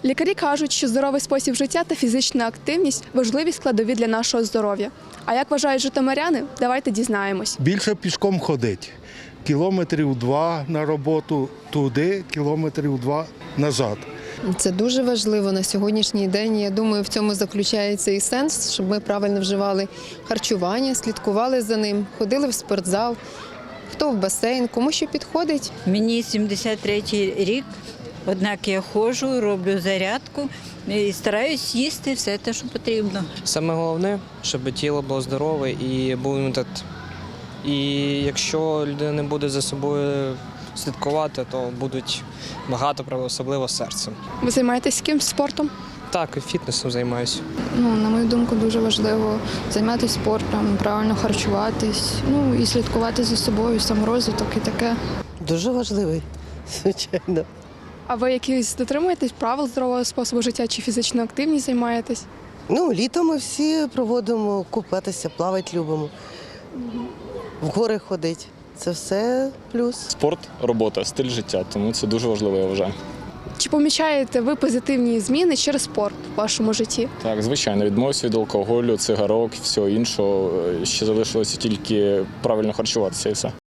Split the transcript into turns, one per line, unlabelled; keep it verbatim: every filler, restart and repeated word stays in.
Лікарі кажуть, що здоровий спосіб життя та фізична активність – важливі складові для нашого здоров'я. А як вважають житомиряни? Давайте дізнаємось.
Більше пішком ходить. Кілометрів два на роботу туди, кілометрів два назад.
Це дуже важливо на сьогоднішній день. Я думаю, в цьому заключається і сенс, щоб ми правильно вживали харчування, слідкували за ним, ходили в спортзал, хто в басейн, кому що підходить.
Мені сімдесят третій рік, однак я ходжу, роблю зарядку і стараюсь їсти все те, що потрібно.
Саме головне, щоб тіло було здорове і був імунітет. І якщо людина не буде за собою слідкувати, то будуть багато проблем, особливо з серцем.
Ви займаєтесь якимсь спортом?
Так, і фітнесом займаюся.
Ну, на мою думку, дуже важливо займатися спортом, правильно харчуватись, ну і слідкувати за собою, саморозвиток і таке.
Дуже важливий, звичайно.
А ви якісь дотримуєтесь правил здорового способу життя чи фізичну активність займаєтесь?
Ну, літом ми всі проводимо купатися, плавати любимо. В гори ходить. Це все плюс.
Спорт, робота, стиль життя, тому це дуже важливо, я вважаю.
Чи помічаєте ви позитивні зміни через спорт в вашому житті?
Так, звичайно, відмовився від алкоголю, цигарок, всього іншого. Ще залишилося тільки правильно харчуватися і все.